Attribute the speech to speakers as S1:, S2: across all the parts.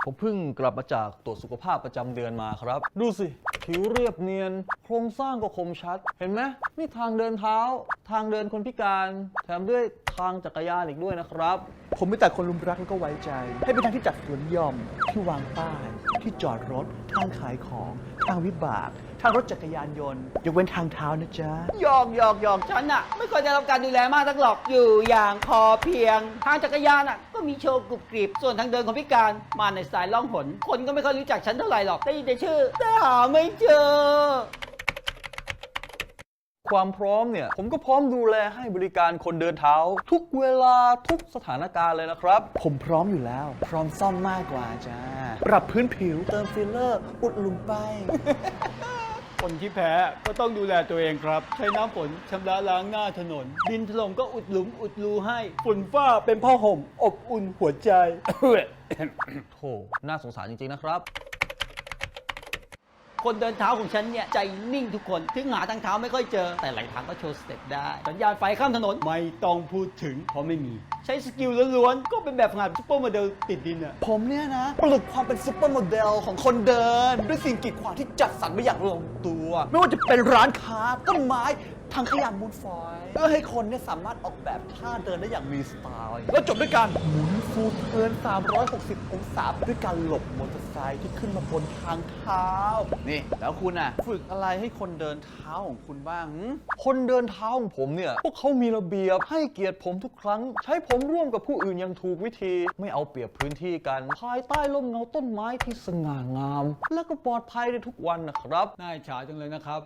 S1: ผมเพิ่งกลับมาจากตรวจสุขภาพประจำเดือนมาครับดูสิผิวเรียบเนียนโครงสร้างก็คมชัดเห็นไหมนี่ทางเดินเท้าทางเดินคนพิการแถมด้วยทางจักรยานอีกด้วยนะครับ
S2: ผมไม่แต่คนรุมรักแล้วก็ไว้ใจให้เป็นทางที่จัดสวนหย่อมที่วางป้ายที่จอดรถทางขายของทางวิบากทางรถจักรยานยนต์ยกเว้นทางเท้านะจ๊ะ
S3: หยอกฉันน่ะไม่ควรจะรับการดูแลมากนักหรอกอยู่อย่างพอเพียงทางจักรยานน่ะก็มีโชว์กรุบกริบส่วนทางเดินของพิการมาในสไตล์ล่องหนคนก็ไม่ค่อยรู้จักฉันเท่าไหร่หรอกได้ยินแต่ชื่อแต่หาไม่เจอ
S1: ความพร้อมเนี่ยผมก็พร้อมดูแลให้บริการคนเดินเท้าทุกเวลาทุกสถานการณ์เลยนะครับ
S2: ผมพร้อมอยู่แล้วพร้อมซ่อมมากกว่าจ้าปรับพื้นผิวเติมฟิลเลอร์อุดหลุมไป
S3: คนที่แพ้ก็ต้องดูแลตัวเองครับใช้น้ำฝนชำระล้างหน้าถนนดินถล่มก็อุดหลุมอุดรูให้ฝุ่นฟ้าเป็นผ้าห่มอบอุ่นหัวใจ
S1: โธ่น่าสงสารจริงๆนะครับ
S3: คนเดินเท้าของฉันเนี่ยใจนิ่งทุกคนถึงหาทางเท้าไม่ค่อยเจอแต่หลายทางก็โชว์สเต็ปได้สัญญาณไฟข้ามถนนไม่ต้องพูดถึงเพราะไม่มีใช้สกิลล้วนๆก็เป็นแบบงานซุปเปอร์โมเดลติดดินอะ
S2: ผมเนี่ยนะปลุกความเป็นซุปเปอร์โมเดลของคนเดินด้วยสิ่งกีดขวางที่จัดสรรมาอย่างลงตัวไม่ว่าจะเป็นร้านค้าต้นไม้ทางขยะมูลฝอยเพื่อให้คนเนี่ยสามารถออกแบบท่าเดินได้อย่างมีสไตล์แล้วจบด้วยการหมุนฟูลเทิร์น360 องศาด้วยการหลบมอเตอร์ไซค์ที่ขึ้นมาบนทางเท้านี่แล้วคุณอ่ะฝึกอะไรให้คนเดินเท้าของคุณบ้าง
S1: คนเดินเท้าของผมเนี่ยพวกเขามีระเบียบให้เกียรติผมทุกครั้งใช้ผมร่วมกับผู้อื่นอย่างถูกวิธีไม่เอาเปรียบพื้นที่กันภายใต้ร่มเงาต้นไม้ที่สง่างามและก็ปลอดภัยในทุกวันนะครับ
S3: น่าอิจฉาจังเลยนะครับ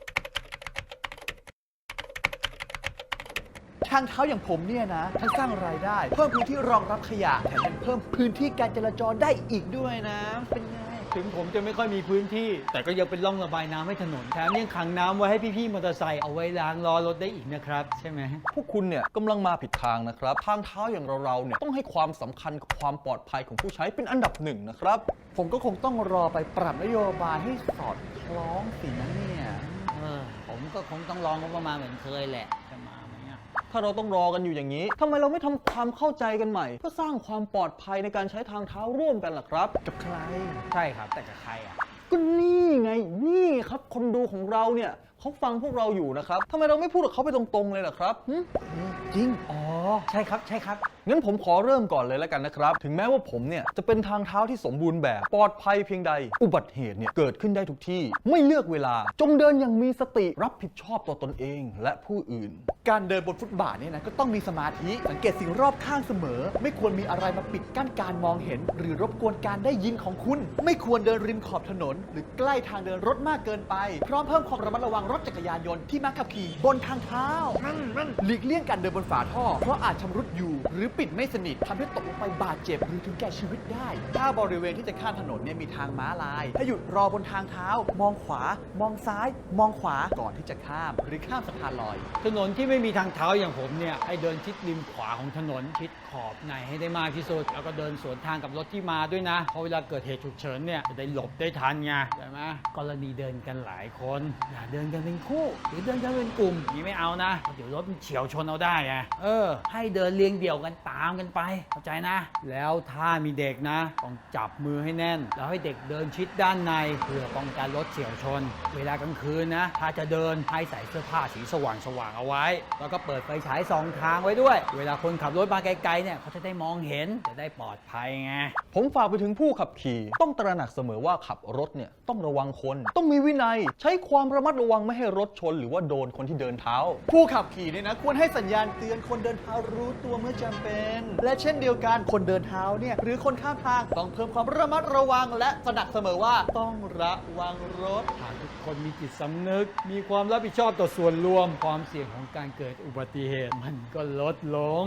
S2: ทางเท้าอย่างผมเนี่ยนะทั้งสร้างรายได้เพิ่มพื้นที่รองรับขยะแถมยังเพิ่มพื้นที่การจราจรได้อีกด้วยนะเป็นไง
S3: ถึงผมจะไม่ค่อยมีพื้นที่แต่ก็ยังเป็นร่องระบายน้ำให้ถนนแถมยังขังน้ำไว้ให้พี่ๆมอเตอร์ไซค์เอาไว้ล้างล้อรถได้อีกนะครับใช่ไหม
S1: พวกคุณเนี่ยกำลังมาผิดทางนะครับทางเท้าอย่างเราเนี่ยต้องให้ความสำคัญกับความปลอดภัยของผู้ใช้เป็นอันดับหนึ่งนะครับ
S2: ผมก็คงต้องรอไปปรับนโยบายให้สอดคล้องสินะเนี่ย
S3: ผมก็คงต้องลองงบประมาณเหมือนเคยแหละจะมาไหม
S1: ถ้าเราต้องรอกันอยู่อย่างนี้ทำไมเราไม่ทำความเข้าใจกันใหม่เพื่อสร้างความปลอดภัยในการใช้ทางเท้าร่วมกันล่ะครับ
S2: กับใคร
S3: ใช่ครับแต่กับใครอ่ะ
S1: ก็นี่ไงนี่ครับคนดูของเราเนี่ยเขาฟังพวกเราอยู่นะครับทำไมเราไม่พูดกับเขาไปตรงๆเลยล่ะครับ
S2: จริง
S3: อ๋อใช่ครับ
S1: งั้นผมขอเริ่มก่อนเลยแล้วกันนะครับถึงแม้ว่าผมเนี่ยจะเป็นทางเท้าที่สมบูรณ์แบบปลอดภัยเพียงใดอุบัติเหตุเนี่ยเกิดขึ้นได้ทุกที่ไม่เลือกเวลาจงเดินอย่างมีสติรับผิดชอบต่อตนเองและผู้อื่น
S2: การเดินบนฟุตบาทเนี่ยนะก็ต้องมีสมาธิสังเกตสิ่งรอบข้างเสมอไม่ควรมีอะไรมาปิดกั้นการมองเห็นหรือรบกวนการได้ยินของคุณไม่ควรเดินริมขอบถนนหรือใกล้ทางเดินรถมากเกินไปพร้อมเพิ่มความระมัดระวังรถจักรยานยนต์ที่มักขับขี่บนทางเท้าหลีกเลี่ยงการเดินบนฝาท่อเพราะอาจชำรุดอยู่หรือปิดไม่สนิททำให้ตกลงไปบาดเจ็บหรือถึงแก่ชีวิตได้ถ้าบริเวณที่จะข้ามถนนเนี่ยมีทางม้าลายให้หยุดรอบนทางเท้ามองขวามองซ้ายมองขวาก่อนที่จะข้ามหรือข้ามสะพานลอย
S3: ถนนที่ไม่มีทางเท้าอย่างผมเนี่ยให้เดินชิดริมขวาของถนนชิดขอบในให้ได้มากที่สุดแล้วก็เดินสวนทางกับรถที่มาด้วยนะเพราะเวลาเกิดเหตุฉุกเฉินเนี่ยจะได้หลบได้ทันไงใช่ไหมกรณีเดินกันหลายคนอย่าเดินกันเป็นคู่หรือเดินกันเป็นกลุ่มนี่ไม่เอานะเดี๋ยวรถมันเฉียวชนเอาได้ไงให้เดินเรียงเดี่ยวกันตามกันไปเข้าใจนะแล้วถ้ามีเด็กนะต้องจับมือให้แน่นแล้วให้เด็กเดินชิดด้านในเพื่อป้องกันรถเฉียวชนเวลากลางคืนนะถ้าจะเดินให้ใส่เสื้อผ้าสีสว่างเอาไว้แล้วก็เปิดไฟฉายสองทางไว้ด้วยเวลาคนขับรถมาไกลๆเนี่ยเขาจะได้มองเห็นจะได้ปลอดภัยไง
S1: ผมฝากไปถึงผู้ขับขี่ต้องตระหนักเสมอว่าขับรถเนี่ยต้องระวังคนต้องมีวินัยใช้ความระมัดระวังไม่ให้รถชนหรือว่าโดนคนที่เดินเท้า
S2: ผู้ขับขี่เนี่ยนะควรให้สัญญาณเตือนคนเดินเท้ารู้ตัวเมื่อจำเป็นและเช่นเดียวกันคนเดินเท้าเนี่ยหรือคนข้ามทางต้องเพิ่มความระมัดระวังและตระหนักเสมอว่าต้องระวังรถ
S3: หากทุกคนมีจิตสำนึกมีความรับผิดชอบต่อส่วนรวมความเสี่ยงของการเกิดอุบัติเหตุมันก็ลดลง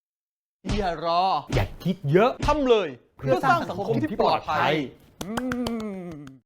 S2: อย่ารอ
S3: อย่าคิดเยอะ
S1: ทำเลย
S2: เพื่อสร้างสังคมที่ปลอดภัย